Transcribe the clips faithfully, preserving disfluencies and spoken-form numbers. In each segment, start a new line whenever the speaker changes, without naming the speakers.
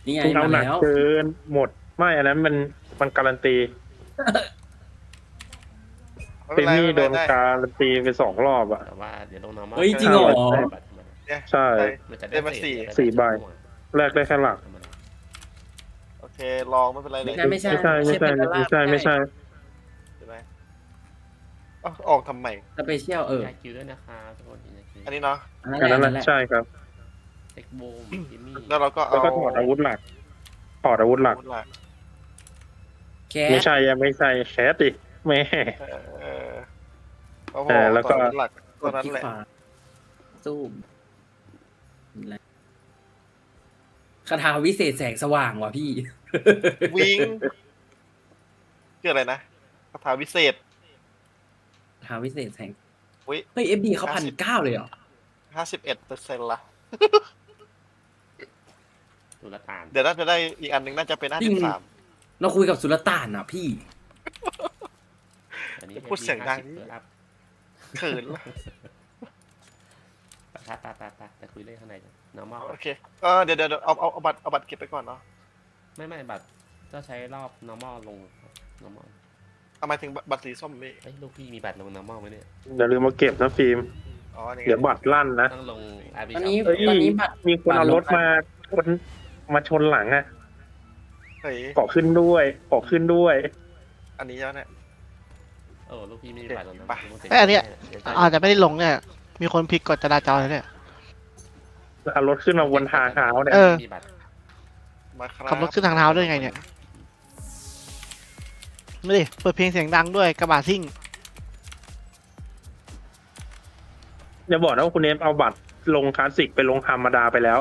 นี่ไง
คุณเอา
มา
หนัก
แล้ว
เกินหมดไม่อันนั้นมันมันการันตีเป
ไม่เป็นไร
มี่
ไม่
โด
เป็น
น
ไรได้
การันตีไปสองรอบอ่ะ
แต่ว่าเดี๋ยวลง normal
เฮ้ยจริงเหรอ
บัตรธรรมดา
เนี่ย
ใช่
มันจะ
ได้มาสี่
เศษ
สี่ใบ
ม่วง
แรกได้แค่หลัก
ธรรมดา
โอเคลองไม่เป็นไรเลย
ไม่ใช่
ไม่ใช่ไม่ใช่ไม่ใช่ไม่ใช่
ใช่ไหมเอ้าออกทำไม
สเปเชียลเออ
ยาคิวด้วยนะคะทุกคนยาคิว
อันนี้เนาะ
อันนั้น
อัน
แหละ
นั้น
อัน
แห
นั้นแหละ
ละใช่ครับ
เซ็กโบมจิมมี่
แล้วเราก็
แล้
เอา
วก็ถอดอาวุธหลักถอดอาวุธหลัก
อาวุธหลัก
แค
ไม่
ส
ใช่ยังไม่ใช่แคสดิแม่
เออโอ้โห
เออแล้วก็
ต่ออาวุธหลัก
ก
เท่า
ด
นั้น
ที่
แหละ
ขวาสู้คาถาวิเศษแสงสว่างว่ะพี่
วิงชื่ออะไรนะคาถาวิเศษ
คาถาวิเศษแสง
วิ
เฮ้ยเอฟดีเขาพันเก้าเลยเหรอ
ห้าสิบเอ็ดเปอร์เซ็นต์ละ
ตุลตาน
เดี๋ยวน่าจะได้อีกอันหนึ่งน่าจะเป็นห้า
จริ
สิ
ง
บสาม
เราคุยกับสุลต่านอ่ะพี่
อันนี้
พูดเสียงดัง
เปิดอัพ
เขินละ
ตาตาตาตาแต่คุยเรื่องข้างในจ้ะ normal
โอเคเออเดี๋ยวเดี๋ยวเอาเอาเอาบัตรเอาบัตรเก็บไปก่อนเนาะ
ไม่ไม่บัตรก็ใช้รอบ normal ลง normal
เอาหมายถึงบัตรสีส้มพี่
เอ้ยลูกพี่มีบัตรลง normal ไหมเนี่ย
อย่าลืมมาเก็บนะฟิล์ม
อ๋อนี่ไง
เดี๋ยวบัตรลั่นนะ
ต้องลง อาร์ บี
ตอนนี้
เฮ้ย
ตอนนี้บัตร
มีคนเอารถมาชนมาชนหลังอ่ะ
เฮ้ย
ขอขึ้นด้วยขอขึ้นด้วย
อันนี้แล้วเนี่ย
โอ้ลูกพี่ไม่มีบัตรลง
ไป
normal
ไอ้ยอันเนี้ย
ดี๋วจะ
อาจจะไม่ได้ลงเนี่ย มีคนผิดกฎจราจรเลยเนี่ย
เอารถขึ้นมาบนทางเท้าเนี่ย
เออ
มีบัตร
มาครับ
ขับรถขึ้นทางเท้าได้ไงเนี่ยนี่ดิเปิดเพลงเสียงดังด้วยกระบะซิ่ง
อย่าบอกนะว่าคุณเอฟเอาบัตรลงคลาสสิกไปลงธรรมดาไปแล้ว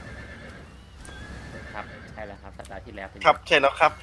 ครับใช่แล้วครับสัปดาห์ที่แล้วเป็น
ครับใช่แล้วครับ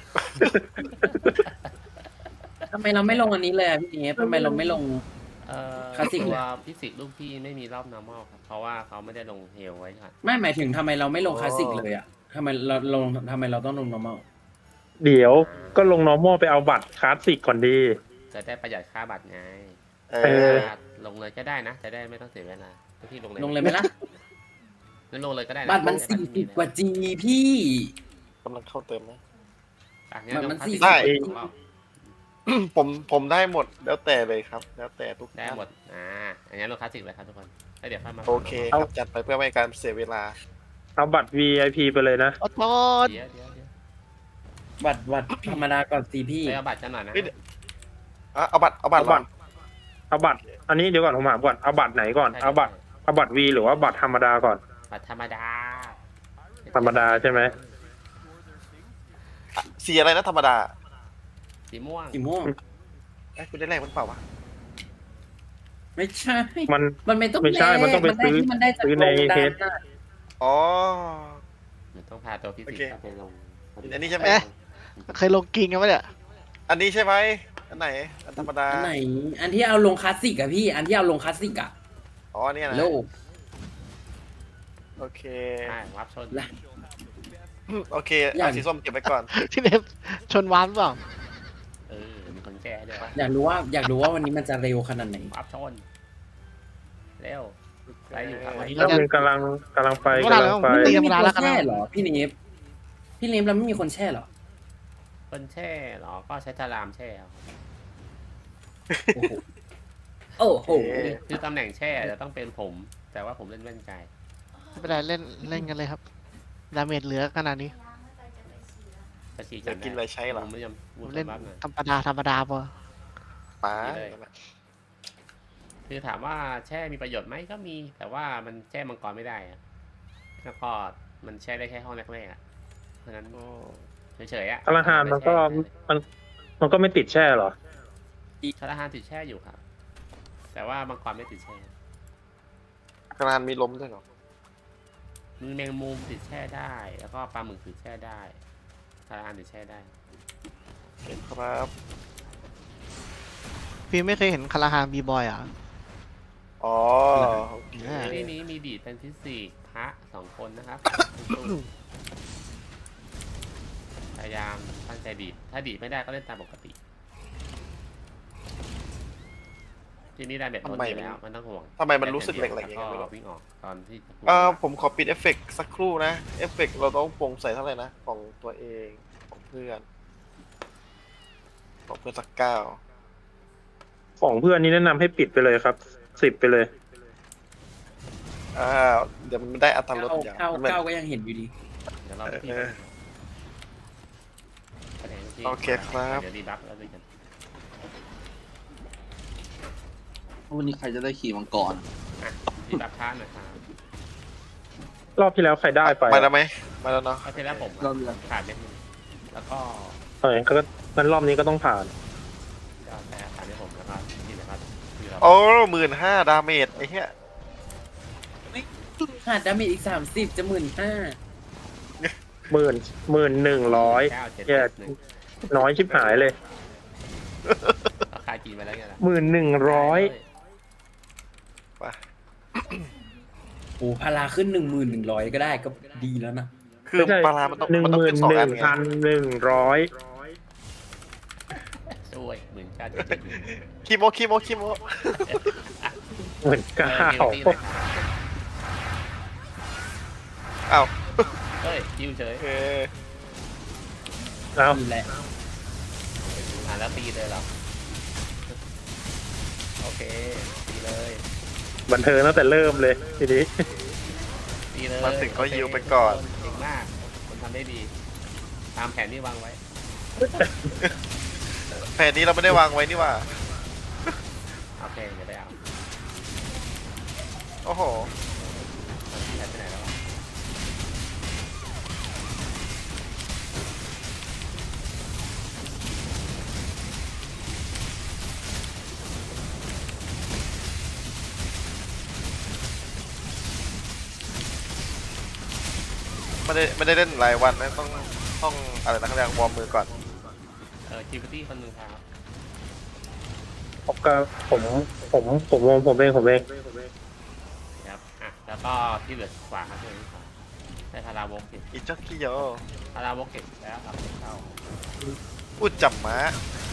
ทำไมเราไม่ลงอันนี้เลยอะพี่เอฟทำไมเราไม่ลง
เอ่อ
คลาสสิก
ตัว
เลย
ฟิสิกส์ลูกพี่ไม่มีรอบ normal ครับ เพราะว่าเขาไม่ได้ลงเฮลไว้ครับ
ไม่หมายถึงทำไมเราไม่ลงคลาสสิกเลยอ่ะทำไมเราลงทำไมเราต้องลง normal
เดี๋ยวก็ลง normal ไปเอาบัตรคลาสสิกก่อนดี
จะได้ประหยัดค่าบัตรไง
เอ
เอ
อ
อ
ลงเลยก็ได้นะ จะได้ไม่ต้องเสียเวลาลูกพี่ลงเลย
ลงเลยไหมล่ะ
งั้นลงเลยก็ได้นะ
บัตรมัน
จะ
สี่
ได้
สิบกว่าจีพี่
กำลังเข้าเติมนะ
อ่ะงั้น
บัตร
ล
มัน
งคลาส
สี่
สิก
สิบ
ได้
กว่าจี
ผมผมได้หมดแล้วแต่เลยครับ แล้วแต่ทุก
ได้หมด อ่าอันนี้ลงคลาสสิกเลยครับทุกคนแล้วเดี๋ยวค่อยมา
โอเคครับจัดไปเพื่อไม่ให้การเสียเวลา
เอาบัตร วี ไอ พี ไปเลยนะ
อดทน
เดี๋ยวเดี๋ยวเดี๋ยว
บัตรบัตรธรรมดาก่อนสิพี่
ไปเอาบัตรกันหน่อยนะ
เฮ้ย อ่ะเอาบัตรเอาบัตร
เอาบัตร เอาบัตร อันนี้เดี๋ยวก่อนผมถามก่อนเอาบัตรไหนก่อนเอาบัตรเอาบัตร V หรือว่าบัตรธรรมดาก่อน
บัตรธรรมดา
ธรรมดาใช่ไหม
สีอะไรนะธรรมดา
สีม่วง
สีม่วง
ไอ้ยคุณได้แรกมันเปล่าวะ
ไม่ใช่
มัน
มันไม่ต้อง
ไม่ใช่มันต้องไป
แลก
ซื้อ
มันได้จาก
ซื้อใน
โรงดั
เฮ
น
ด
น่ะ
อ๋อ
มันต้องพาตัวฟิสิก
โอเค
ส์ไปลง
อันนี้ใช่ไหม
เอ๊ะ เคยลงกิงกันไหมเนี่ย
อันนี้ใช่ไหมอันไหนอันธรรมดา
อันไหน อันที่เอาลงคลาสสิกอะพี่ อันที่เอาลงคลาสสิกอะ
อ๋อเนี่ยนะ
โลก
โอเค
ใช่วับชน
ละ
โอเค
อย่า
เอา
ง
สีส้มเก็บไว้ก่อน
ที่เล็บชนวานเปล่า
เออมีคนแก้ด้วยวะ
อยากรู้ว่าอยากรู้ว่าวันนี้มันจะเร็วขนาดไหน
วับชนเร็วไปอยู่ครับ
วันนี้
แล้ว
เราจะ
มันกำลังกำลังไป
เวลาก
ำลังไป
แล้ว
ไม่
ธรรม
มี
ดา
คน
แล้วกันนะ
แช่เหรอพี่เนฟพี่เนฟเราไม่มีคนแช่เหรอ
คนแช่เหรอ ก็ใช้ทารามแช่เอา
โอ้โหโอ้โห
คือคือตำแหน่งแช่จะต้องเป็นผม แต่ว่าผมเล่นแว่นไกล
ไม่เป็นไรเล่นเล่นกันเลยครับ ดาเมจเหลือขนาดนี้
ประชี
จะกินอะไรใช้เหรอ
ผมไม่ยอมพูด
เล่น
บ้างหน่อย
ธรรมดาธรรมดาพอ
ป๋า
คือถามว่าแช่มีประโยชน์ไหมก็มี แต่ว่ามันแช่มังกรไม่ได้อะแล้วก็มันแช่ได้แค่ห้องแรกๆอะเพราะฉะนั้นเฉยๆอะ
พลังงานมันก็มันมันก็ไม่ติดแช่เหรอ
ชาลาฮานติดแช่อยู่ครับ แต่ว่ามังกรไม่ติดแช่
กระดานมีลมด้วยเหรอ
มือแมงมุมติดแช่ได้ แล้วก็ปลาหมึกติดแช่ได้ชาลาฮานติดแช่ได้
เห็นครับ
พี่ไม่เคยเห็นคาราฮานบีบอยอ่ะ
อ๋อโอเค
อ่า
ที่นี้มีดีดเป็นฟิสิกส์พระสองคนนะครับ พยายามตั้งใจดีด ถ้าดีดไม่ได้ก็เล่นตามปกติ จทีนี้ได้เบ็ดทนอยู่แล้วมันต้องห่วง
ทำไมมันรู้สึกแหลกๆอย่าง
ก็
เงี้ยไม่รู้
วิ่งออกตอนที่
เอ่อผมขอปิดเอฟเฟกต์สักครู่นะ เอฟเฟกต์เราต้องปรุงใส่เท่าไหร่นะ ของตัวเองของเพื่อนของเพื่อนสักเก้า
ของเพื่อนนี่แนะนำให้ปิดไปเลยครับสิบไปเลย
อ่าเดี๋ยวมันได้อัตราลด
เก้า
อย่าง
เก้า
มันเหมือน
เก้าก็ยังเห็นอยู่ดี
เดี๋ยวเราไปที่
เออ
คะแนนที่
โอเคครับ
เดี๋ยวดีบัฟแล้วด้วยกัน
วันนี้ใครจะได้ขี่มังกร
อ่ะดีบัฟท่านหน่อยครับ
รอบที่แล้วใครได้ไป
มาแล้วไหมมาแล้วเนาะ
เอาทีแรกผม
เราเรียน
ขาดเม็ดนึงแล้วก็
เออก็งั้นรอบนี้ก็ต้องผ่าน
ก็แพ้ขาดเม็ดผมแล้วก็ที่เหลือก็คือเรา
โอ้หมื่นห้าดาเมจไอ้เหี้ย
ขาดดาเมจอีกสามสิบจะหมื่นห้า
หมื่นหมื่นหนึ่งร้อย
เก้าเจ็ด
แย่
หนึ่ง
น้อยชิบหายเลย
ราคาจีนมาแล้วไงล่ะ
หมื่นหนึ่งร้อย
ไป
โอ้พาราขึ้นหนึ่งหมื่นหนึ่งร้อยก็ได้ก็ดีแล้วนะ
คือปลาร้ามันต้อง
หนึ่ง
มันต้
ห
อง
มื่
ขึ้
น
นสอง
ห
อั
นึ่
น
ง
ไง
พันหนึ่งร้อย
ช่วยหมื่นเก้าเจ็ดเจ็ดหนึ่ง
คีโมคีโมคีโม
หมื่นเก้า
เออมีตีนะครับ
อ้าว
เฮ้ยจิ้วเฉย
เออ
เอา
นี่แหละ
อ่าแล้วตีเลยเหรอโอเคตีเลย
บันเทิงตั้งแต่เริ่มเลยทีนี้
ตีเลย
มาถึงก็ยิวไปก่อน
เก่งมากคุณทำได้ดี ตามแผนที่วางไว้
แผนนี้เราไม่ได้วางไว้นี่หว่า
โอเคเดี๋ยวไปเอา
โอ้โห
แผนไปไหนแล้ววะ
ไม่ได้ไม่ได้เล่นหลายวันนะต้องต้องอะไรนะเขาเรียกวอร์มมือก่อน
เออคิวตี้คนหนึ่งครับ
ผมก็ผมผมผมผมผมเองผมเอง
ครับอ่ะแล้วก็ที่เหลือขวาครับที่เหลือขวาได้พาราวกเก็บ
อีจ็อกกี้โย
พาราวกเก็บแล้วเอาเข้า
อุดจับม้า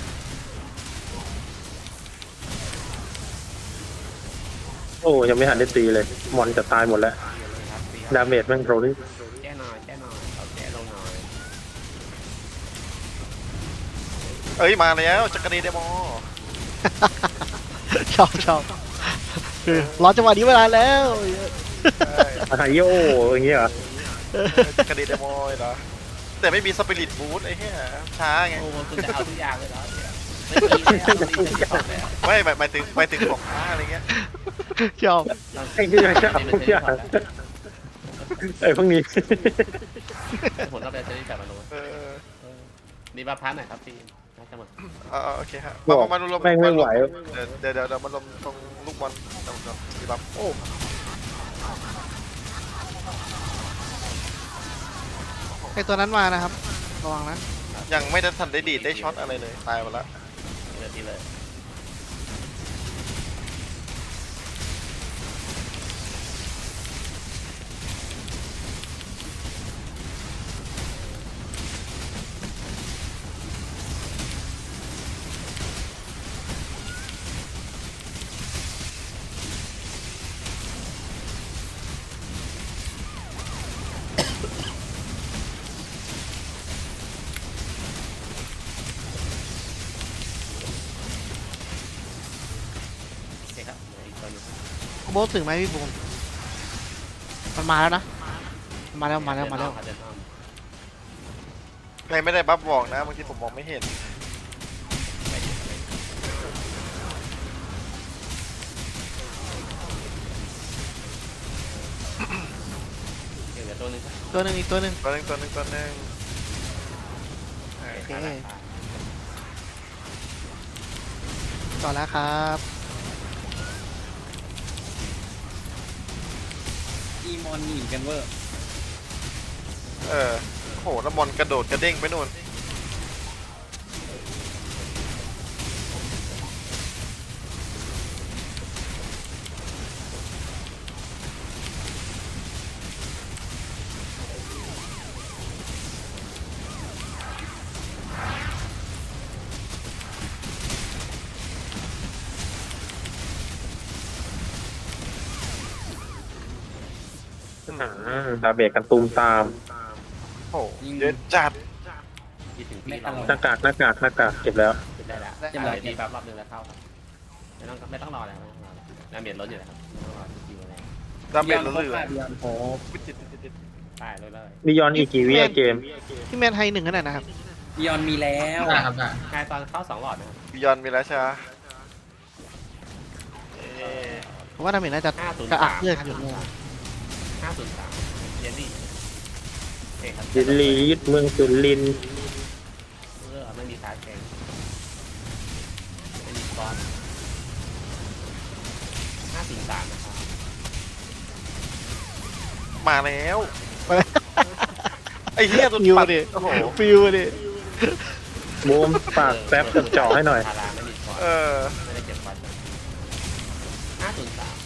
โอ้ยังไม่หันได้ตีเลย มอนจะตายหมดแล้ว
ตีเลยครับตี
ดาเมจแม่งโรนี่
แก้หน่อยแก้หน่อยเอาแก้ลงหน่อย
เอ้ยมาแล้วจักรีเดโม
ชอบชอบคือรอจังหวะนี้เวลาแล้ว
ไฮโยอย่างเงี้ยเหรอ
จักรีเดโมเหรอแต่ไม่มีสปิริตบูทไอ้เหี้ยช้าไง
โอ้คุณจะเอาทุกอย่างเลยเหรอเนี่ยไม่มีแล้วไม่มีจะบอกแล้ว
ไม่หมายหมายถึงหมายถึงของช้าอะไรเงี้ย
ชอบ
ไอ้ที่จะเอาทุกอย่างไอ้พวกนี้
ผมก็ไปจะได้แบบมาโน้ต
เออ
นี่มาพักหน่อยครับพี่น่าจะหมด
เออโอเคฮะมามามาลง
แม่งไม่ไหว
เดี๋ยวเดี๋ยวเดี๋ยวมาลงตรงลูกบอลตรงตรงดีบัฟโอ้
ไอตัวนั้นมานะครับระวังนะ
ยังไม่ได้ทันได้ดีดได้ช็อตอะไรเลยตายหมดแล้ว
ทีเลยทีเลย โอเคครับเหลืออีกตัวหนึง
โบสถึงไหมพี่บูมมันมาแล้วนะมาแล้วมาแล้วมาแล้ว
เดินอ้อม
ใครไม่ได้บัฟบอกนะบางทีผมมองไม่เห็น
ไปดิไปดิโอเคเหลือตัวหนึงครับ
ตัวหนึ่งอีกตัวหนึ่ง
ตัวหนึงตัวหนึงตัวหนึงเออ
โอเค
โอเค
ได้ครับ
ต่อแล้วครับ
อีมอนหนีกันเวอร์
เออโหแล้วมอนกระโดดกระเด้งไปนู่น
อ่าดาเบจกันตูมตาม
โอ้เยอะจัด
ยี่ถึงปี
ไม่
เรา
ตลอด
หน้ากากหน้ากากหน้ากากเก็บแล้ว
ขึ้นได้แล้ว
เรียบร้อย
เดี๋ยวดีแบบรอบนึงแล้วเข้าครับไม่ต้องไม่ต้องรอแล้วไม่ต้องรอแล้วน้ำเบียดล้นอยู่แล้วครับไม่ต้องรอคิวอะไร
ดาเมจ
บิ
เรา
ย
เหลื
อน
อ
ด์บิยอนด์โฮป
ติดติดติดติด
ไปเลยเลย
มียอนอีกกี่วิอะเกม
พี่แมนไฮหนึ่งขนาดนะครับ
บิยอนด์มีแล้ว
ได้ครับได้
ใช่ตอนเข้าสองหลอดนะครับ
บิยอนมีแล้วใช่ไหมเอ๊ะ
ผมว่าดาเมจน่าจะ
ห้าศูนย์
กระอั
สาก ม
เลือดอยู่
ห้าศูนย์สามเยลลี่โอเคครับ
ยินลียึดเมืองสุรินทร์
เออไม่มีสายแข็งไม่มีก้อนห้าศูนย์สามนะครับ
มาแล้วไอ้เหี้ยตัว
ฟิว
ปัด
ดิ
โอ้โห
ฟิวดิ
บูมปากแป๊บกับเจาะให้หน่อย
พาราไม่มีก้อน
เออ
ไม่ได้เก็บก้อนห้าศูนย์สาม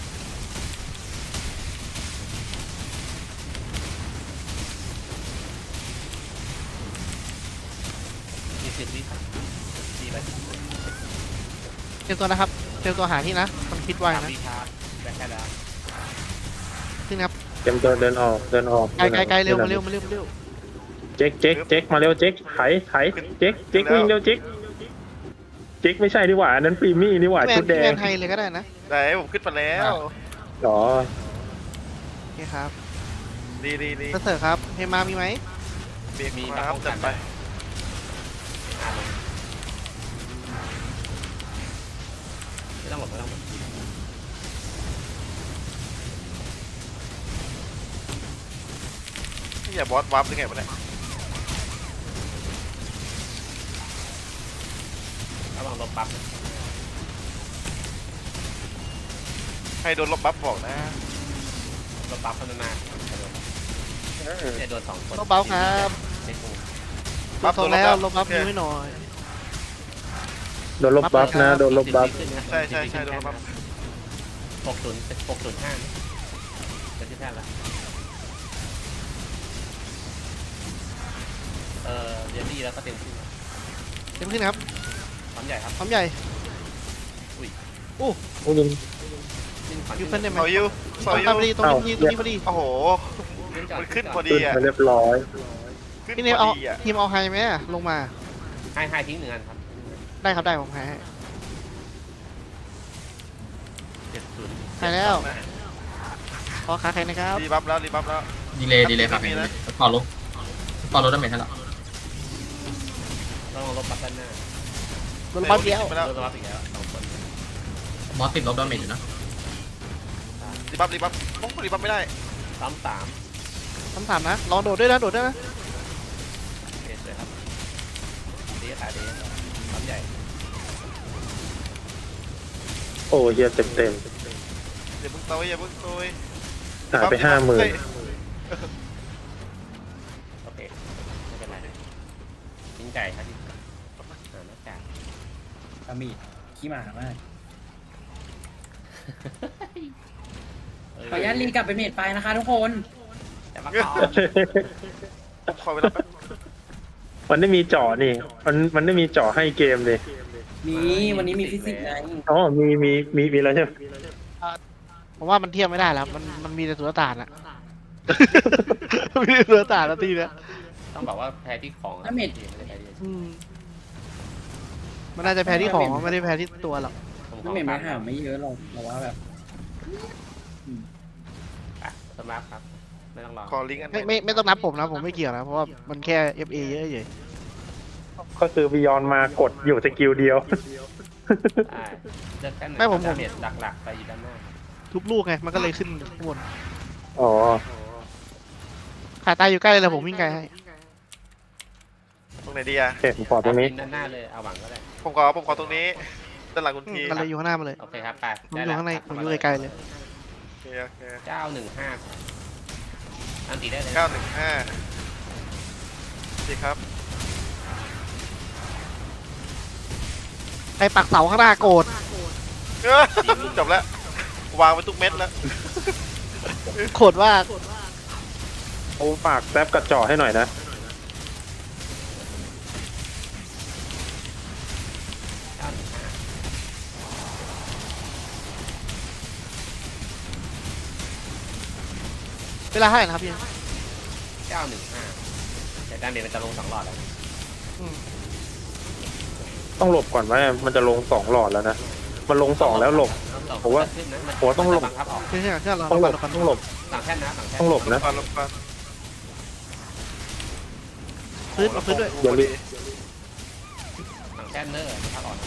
ยี่สิบวิครับดีไหม
เตรียมตัวนะครับเตรียมตัวหาที่นะมันคิดไว้
สาม
นะ
วิครับได้แค่แล้ว
ขึ้นครับ
เตรียมตัวเดินออกเดินออก
ไกลไกลไกลเร็วมาเร็วมาเร็วมาเร็ว
เจ๊กเจ๊กเจ๊กมาเร็วเจ๊กไถไถเจ๊กเจ๊กวิ่งเร็วเจ๊กเจ๊กไม่ใช่ดีกว่าอันนั้นปรีมี่นี่หว่า
พี่แม
ชุ
น
ดแด
พี่แม
ง
นไฮเลยก็ได้นะ
ไหนผมขึ้นมาแล้ว
อ๋อ
โอเคครับ
ดีดีดี
เสิร์ฟครับเฮมามีไหม
มี
มี
ครับ
ป้อง
จัดไป
ไม่ต้องหลบไม่ต้องหลบ
นี่อย่าบอสวับได้ไงวะเนี่ย
ระวังลบปั๊บนะ
ให้โดนลบบัฟบอกนะ
ลบปั๊บพัฒนาจะโดนสองคน
ลบเบาครับ
เช็คกู
ลบโซนแล้วลบบัฟมือให้หน่อย
โดนลบบัฟนะโดนลบบัฟ
ใช่ใช่ใช่โดนลบบัฟ
หกศูนย์หกศูนย์ห้าเป็นที่แพทย์ละเออเรียนดีแล้วก็เต็มที่
เต็มขึ้นครับ
ความใหญ่ครับ
พร้อมใหญ่
โอ้ย
ขึ้นขวัญ
ยูเฟนได้ไหม
เสายูเสา
ตรง
ยู
นี้พอดีตรงนี้พอดีตรงนี้พอดี
โอ้โห
ขึ้นก่อน
มันขึ้นพอ
ขึ้นมาเรียบร้อย
ขึ้น
พี่
พ
เนม
อ
เอา
ดีอ่ะ
ทีมเอาไฮไหมอะลงมา
ให้ให้ทิ้งหนึ่งอันครับ
ได้ครับได้ผมไฮให้
เจ็ดศูนย์
ไฮแล้วขอขาใครนะครับ
รีบัฟแล้วรีบัฟแล้ว
ดีเลยดีเลยครับ
ไม่มีนะ
พอลบพอลบดาเมจให้แล้ว
ต้องลบปั๊บด้านหน้า
โดนบัฟเดียว
ไปแล้ว
ลบปั๊บอีกแล้วสองคน
บอสติดลบดาเมจอยู่นะ
รีบัฟรีบัฟโอ้รีบัฟไม่ได้
ซ้ำสาม
คำถามนะลองโดดด้วยนะโดดด้วยนะ
เอสเลยครับดีขายดีความใหญ่
โอ้เฮียเต็มเต็ม
อย่าเพิ่งโตยอย่าเพิ่งโตย
หายไปห้าหมื่น
เฮ้ย
โอเคไม่เป็นไรทิ้งไก่ครับทิ้งไก่อ่าหน้ากาก
อามีดขี้หมามากขออนุญาตรีกลับไปเมดไฟนะคะทุกคน
แต่ว่าก่อน
ขอเวลาแป๊บ
มันได้มีเจาะนี่ มันมันได้มีเจาะให้เกมเลย
มีวันนี้มีฟิสิกส์ไง
อ๋อมีมีมีมีแล้วใช่ไหม
ผมว่ามันเทียบไม่ได้แล้วมันมันมีแต่สุลต่านอะ มีแต่สุลต่านแล้วทีเนี้ย
ต้องบอกว่าแพ้ที่ของครับไม่ได้แพ้ที่
อืมมันน่าจะแพ้ที่ของไม่ได้แพ้ที่ตัวหรอก
ผมข
ไม่
อ
เมด
ฟั
มาง หาไม่เยอะหรอกแต่ว่าแบบ
อ่ะสมาร์ทครับไม่ต้องรอ
ขอลิงก์อันไหน
ไม่ไม่ไม่ต้องนับผมนะผมไม่เกี่ยวนะเพราะว่ามันแค่ เอฟ เอ เยอะเฉย
ก็คือบิยอนมากดอยู่สกิลเดียว
อ่าเลือกแค่ไหน
ไม่ผมผม
ดาเมจหลักๆไปอยู่ด้านหน้าครับ
ทุบลูกไงมันก็เลยขึ้นข้างบน
อ๋อ
ขาตายอยู่ใกล้เลยผมวิ่งไกลให้
ตรงไหนดีอ่ะ
โอเคผมขอตรงนี้
ด้านหน้าเลยเอาหวังก็ได้
ผมขอผมขอตรงนี้ด้านหลังคุณ
อืม
ที
มันเลยอยู่ข้างหน้ามาเลย
โอเคครับไป
ผม
ได้
อยู่
แล้ว
ข้างใน
ครับ
ผมอยู่ไกลๆเลย
โอเคโอเค
เก้าหนึ่งห้าอันตีได้เลย
เก้าหนึ่งห้าดีครับ
ใครปักเสาข้างหน้าโกรธ
เอ้อจบแล้ววางไปทุกเม็ดแล้ว
โกรธว่า
เอาฝากแป๊บกับเจาะให้หน่อยนะ
ลาเท่าไหร่นะครับพี่
เก้าหนึ่งห้าแต่ดาเมจมันจะลงสองหลอดแล้ว
อืม
ต้องหลบก่อนไหมมันจะลงสองหลอดแล้วนะมันลงสองแล้วหลบ ผมว่า
ขึ้นนะน
ผมว่าต้องหลบ
บังคับออก
เครื่องเครื่องเครื่องเรา
ต้องหลบ
เรา
ต้องหลบ
สั่งแท่นนะสั่งแท่น
ต้องหลบนะ
ฟันลบฟัน
พื้นเอาพื้นด้วย
เดี๋ยวรี
สั่งแท่นเนอร์บังคับออกนะ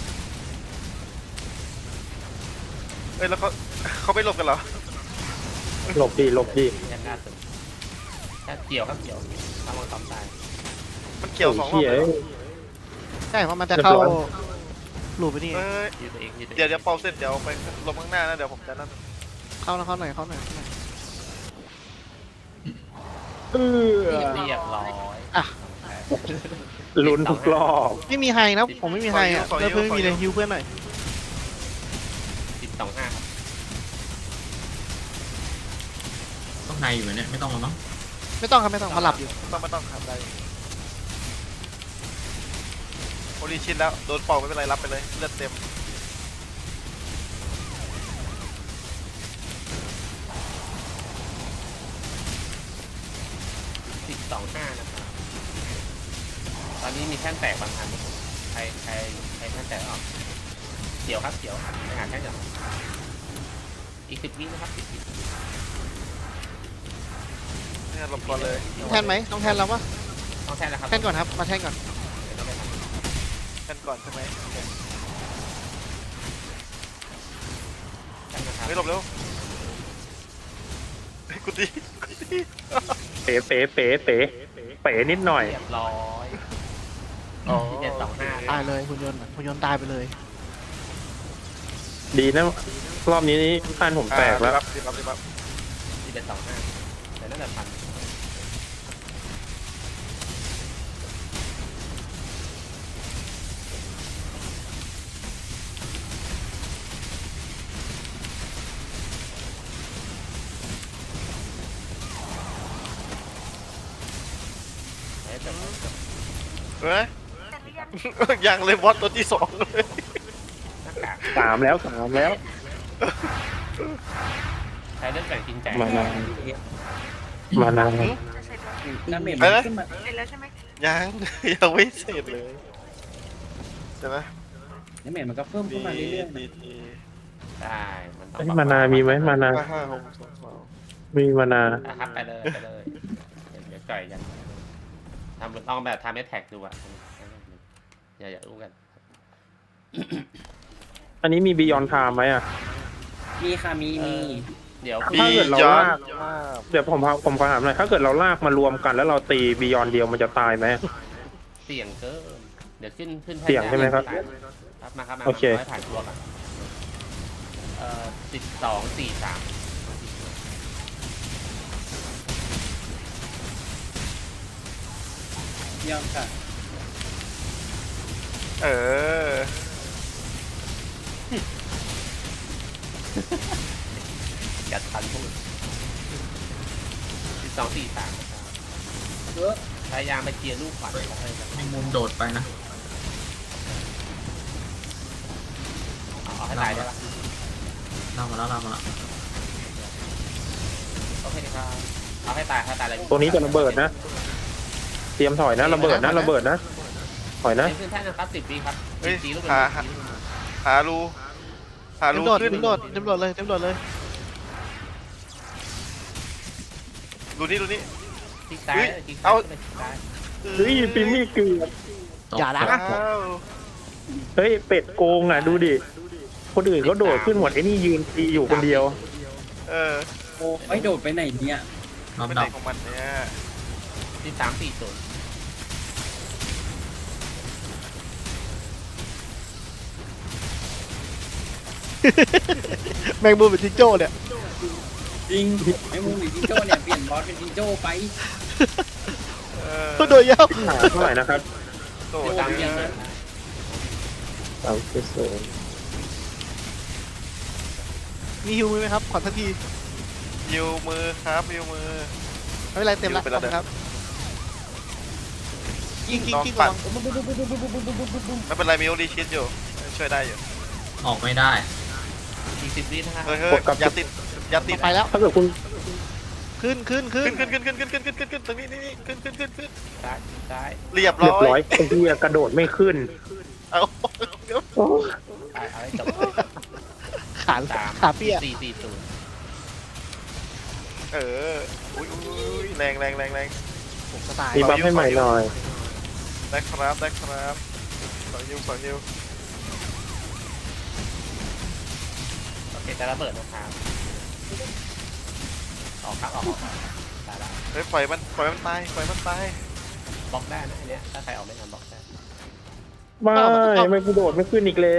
เอ้ยแล้วเขาเขาไม่หลบกันเหรอ
หลบดีหลบดี
แท่นหน้าตึงแท่นเกี่ยวครับเกี่ยวทำมังกรตาย
มันเกี่ยวสองรอบ
เหี้ย
เลยเหรอ
ใช่เพราะมันจะเข้า
เรียบร้อย
หลูปไปนี่
เอ้ย
ยืดตัวเองยืดตัวเอง
เดี๋ยวเดี๋ยวเป่าเสร็จเดี๋ยวไปลงข้างหน้านะเดี๋ยวผมจะนั่น
เข้านะเข้าหน่อยเข้าหน่อยเข้าหน่อย
เออ
เรียบร้อย
อ่ะ
ลุ้นทุกรอบ
ไม่มีไฮนะผมไม่มีไฮอ่ะเพื่อนเพื่อนไม่มีเลยฮิวเพื่อนหน่อย
สิบสองห้าครับ
ต้องในอยู่ไหมเนี่ยไม่ต้องหรอกมั้ง
ไม่ต้องครับไม่ต้องเขาหลับอยู่
ต้องไม่ต้องทำได้โอริชินแล้วโดนเป่าไม่เป็นไรรับไปเลยเลือดเต็ม
สิบสองห้านะครับตอนนี้มีแท่นแตกบางอันใครใครใครแท่นแตกออกเกี่ยวครับเกี่ยวไปหาแท่นก่อนอีกสิบวินะครับสิบวิ
เนี่ยหลบก่อนเลย
แทนไหมต้องแทนเราปะ
ต้องแท่นนะครับ
แทนก่อนครับมาแทนก่อน
เดี๋ยวต้องไปทำ
กันก่อนใช่ไหมโอเค
แท่นนะครับ
ไม่หลบเร็วเฮ้ยกูดีกูดี
เป๋เป๋เป๋เป๋เป๋นิดหน่อย
เรียบร้อย
อ๋อ
ที่เจ็ดสองห้า
ตายเลยหุ่นยนต์หุ่นยนต์ตายไปเลย
ดีนะรอบนี้นี่ท่านผมแตกแล้ว
อ่ารีบรับรีบรับ
ที่เจ็ดสองห้าแต่น่าจะพัน เอ๊ะแต่ว่า
เฮ้ย ยังเลยบอสตัวที่สองเลย
หน้ากาก
สามแล้วสามแล้ว
ใช้เรื่องแบ่งจริงใจ
มานานมานาน
ดาเมจมันขึ้นมา
ยัง ยังไม่เสร็จเลยใช่ไหม
ดาเมจมันก็เพิ่มขึ้
ดี
นมาเรื่อยๆ
ดี
นะ
ดี
ได้มันต้อง
ไอ้มานามีไหมมานา
ห้าห้าหกสองสอง
มีมานา
อ่ะครับไปเลยไปเลย เดี๋ยวจ่อยกันทำลองแบบทำแอทแท็กดูอ่ะอย่าอย่ารู้กัน
อันนี้มีบียอนไทม์ไหมอ่ะ
มีค่ะมีมี
เดี๋ยว
ถ้าเกิดเรา
ย้อน
ลาก เดี๋ยวผมพาผมขอถามหน่อยถ้าเกิดเราลากมารวมกันแล้วเราตีบียอนเดียวมันจะตายไหม
เสี่ยงเกินเดี๋ยวขึ้นขึ้น
เสี่ยงใช่ไหมครับ
ครับมาครับมา
โอเค
มาให้ผ่านตัวกันเอ่อสิบสองสี่สาม
ยอมค่ะ
เออ
จัดทันพูดสิบสองสี่สามนะครับ
เออ
พยายามไปเคลียร์ลูกขวัญของเลยครับ
ให้มุมโดดไปนะ
เอาเอาให้ตายได้ปะ
เล่ามาแล้วเล่ามาแล้ว
โอเคครับเอาให้ตายให้ตายเลย
ตัวนี้จะระเบิดนะ เตรียมถอยนะระเบิดนะระเบิดนะถอยนะ
เป็นขึ้นแท่นนะครับสิบวิครับ
เฮ้ย
สีลูก
หา
เป็น
หา หารูหา
เต็
รู
มโดด
ขึ้น
เต็มโดดเต็มโดดเลยเต็มโดดเลย
รูนี้รูนี้
ทิกซ้าย
เฮ้ย
ทิก
เอา
ซ้ายทิกซ้าย
เฮ้ยปิมมี่เกือบ
ตก
อย่านะ
ตก
อ้าว
เฮ้ยเป็ดโกงอ่ะดูดิคนอื่นเขาโดดขึ้นหมดไอ้นี่ยืนตีอยู่คนเดียว
เออ
โอ้ไม่โดดไปไหนเนี่ย
รอบ
เป็น
ด
ไห
อน ก
ของมันเนี่ย
สิบสามสี่ศูนย์
แมงมุมเป็นจิงโจ้เนี่ย
จริงไอ้มูหรือจิงโจ้เนี่ยเปลี่ยนบอสเป็นจิงโจ้ไป
เออ
โดดยาว
หาเท่าไหร่นะครับ
โด
สิ
ด
บสาม
เย
สี่
อะ
ศูนย์
สามสิบสอง
มีฮิวมือไหมครับขอสักที
ยิวมือครับยิวมือ
ไม่เป็นไรเต็มแล้ว
ฮิวไปแล้วเด้อ
ครับกิ้งกิ้ง
น้อง
กิ้ง
ปั
ระ
ด
วัง
ไม่เป็นไรมีโอริชินอยู่ช่วยได้อยู่
ออกไม่ได้
อีกสิบวินะครับ
เฮ้ยเฮ้ยอย่าติดอย่าติด
ไปแล้ว
ถ้าเกิดคุณ
ขึ้นขึ้นขึ้น
ขึ้นขึ้นขึ้นขึ้นขึ้นขึ้นขึ้นขึ้นตรงนี้นี่นี่ขึ้นขึ้นขึ้นขึ้น
ซ้ายซ้าย
เรียบ
เรีย
ร้
บ
อ
ร้อย ยไอ้เหี้ยกระโดดไม่ขึ้น
เอาเดี๋ยว
โอ้
ไปเอาให้จบ
ขา
สาม
ขาเปี้ย
สี่สี่ศูนย์
เอออุ้ยอุ้ยแรงแรงแรงแรง
ผมก็ตาย
มีบัฟให้ใหม่หน่อย
ได้ครับได้ครับสองนิ้วสองนิ้ว
โอเคจะระเบิดนะครับออกครับออกออกออกตายละ
เฮ้ยปล่อยมันปล่อยมันตายปล่อยมันตาย
บล็อกได้นะอันเนี้ยถ้าใครออกไม่ทันบล็อกได้
ไม่ไม่กูโดดไม่ขึ้นอีกแล้ว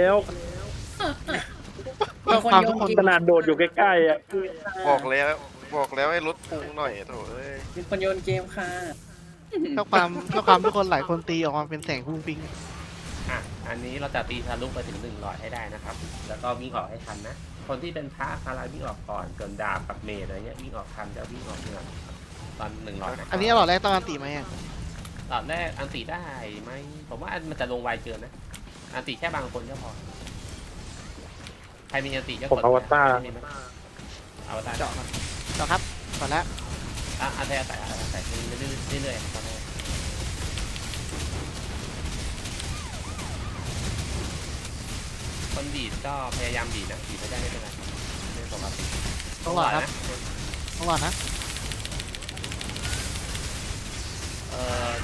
เพื่อความทุกคน
ขนาดโดดอยู่ใกล้ๆอ่ะ
บอกแล้วบอกแล้วให้ลดพุงหน่อยโถ่เอ้ย
มีคนโยนเกมค่ะ
เพื่อความเพื่อความทุกคนหลายคนตีออกมาเป็นแสงพุ่งปิง
อ่ะอันนี้เราจะตีทะลุไปถึงหนึ่งร้อยให้ได้นะครับ แล้วก็วิ่งออกให้ทันนะ คนที่เป็นพระคาราวิ่งออกก่อนส่วนดาบกับเมจอะไรเงี้ยวิ่งออกทันจะวิ่งออกเมื่อตอนหนึ่งร้อยนะ
อันนี้หลอดแรกต้องการตีไหมอะ
ตอนแรกอันติได้ไหมผมว่าอันมันจะลงไวเกินนะ อันติแค่บางคนก็พอ ใครมีอันติก็
ผม
กด
อวตาร
มีไหมอวตาร
เจาะก่อนเจาะครับก่อนแล้ว
อ่ะอันใส่ใส่ใส่เรื่อยๆตอนแรกคนบีดก็พยายามบีดนะบีดไม่ได้ไม่เป็นไรครับเรื่องปกติ
ต้องหลอดครับต้องหลอดนะ
เอ่อ